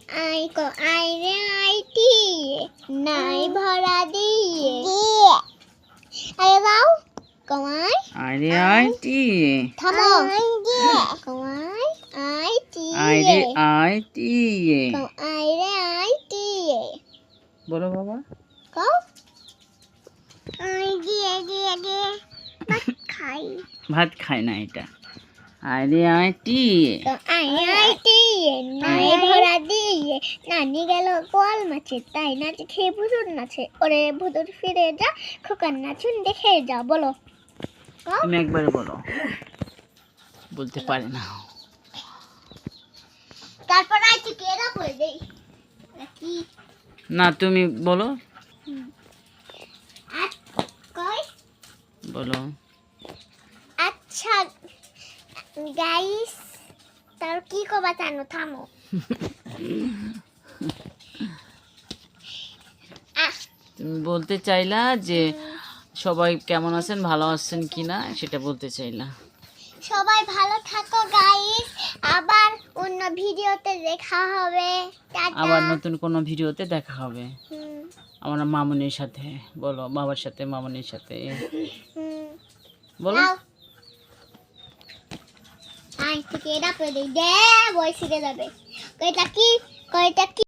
I ক I রে IT নাই ভরা দিয়ে আরে বাউ কমাই আরে আইটি থামো কমাই আইটি আরে আইটি আই রে আইটি বলো বাবা কও আই দিয়ে ভাত খাই ভাত খায় না এটা আরে আইটি আই আইটি নাই ভরা দিয়ে নানি গেল গোয়াল মাছে তাই নাচে খেয়ে ভুতুর নাচে ওরে ভুতুর ফিরে যা খোকার নাচুন দেখে যা বলো তুমি একবারে বলো বলতে পারে না তারপর আইটি কেরা বলে দেই নাকি না তুমি বলো কই বলো আচ্ছা গাইস তার কি কবা জানো থামো তুমি বলতে চাইলা যে সবাই কেমন আছেন ভালো আছেন কিনা সেটা বলতে চাইলা সবাই ভালো থাকো গাইস আবার অন্য ভিডিওতে দেখা হবে টাটা আবার নতুন কোনো ভিডিওতে দেখা হবে হুম, আমার মামুনির সাথে বলো বাবার সাথে মামুনির সাথে হুম। বলো নাও। আই থেকে এটা পড়ে দেই দে বই শিখে যাবে কয়টা কি